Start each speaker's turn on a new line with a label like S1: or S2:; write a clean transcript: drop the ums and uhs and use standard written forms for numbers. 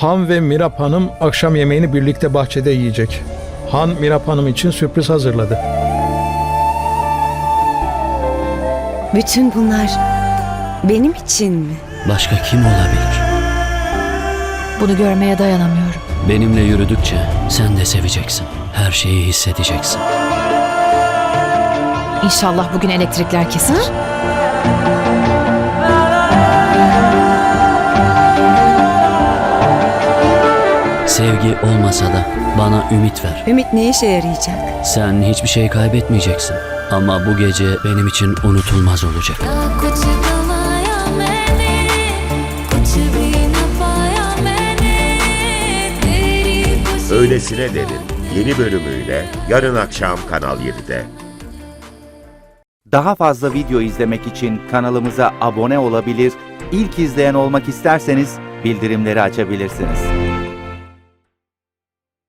S1: Han ve Mirap Hanım akşam yemeğini birlikte bahçede yiyecek. Han, Mirap Hanım için sürpriz hazırladı.
S2: Bütün bunlar benim için mi?
S3: Başka kim olabilir?
S4: Bunu görmeye dayanamıyorum.
S3: Benimle yürüdükçe sen de seveceksin. Her şeyi hissedeceksin.
S4: İnşallah bugün elektrikler kesilir.
S3: Sevgi olmasa da bana ümit ver.
S2: Ümit ne işe yarayacak?
S3: Sen hiçbir şey kaybetmeyeceksin. Ama bu gece benim için unutulmaz olacak.
S5: कुछ गवाया मैंने कुछ भी न पाया मैंने तेरी खुशी
S6: Öylesine Derin yeni bölümüyle yarın akşam Kanal 7'de.
S7: Daha fazla video izlemek için kanalımıza abone olabilir, ilk izleyen olmak isterseniz bildirimleri açabilirsiniz.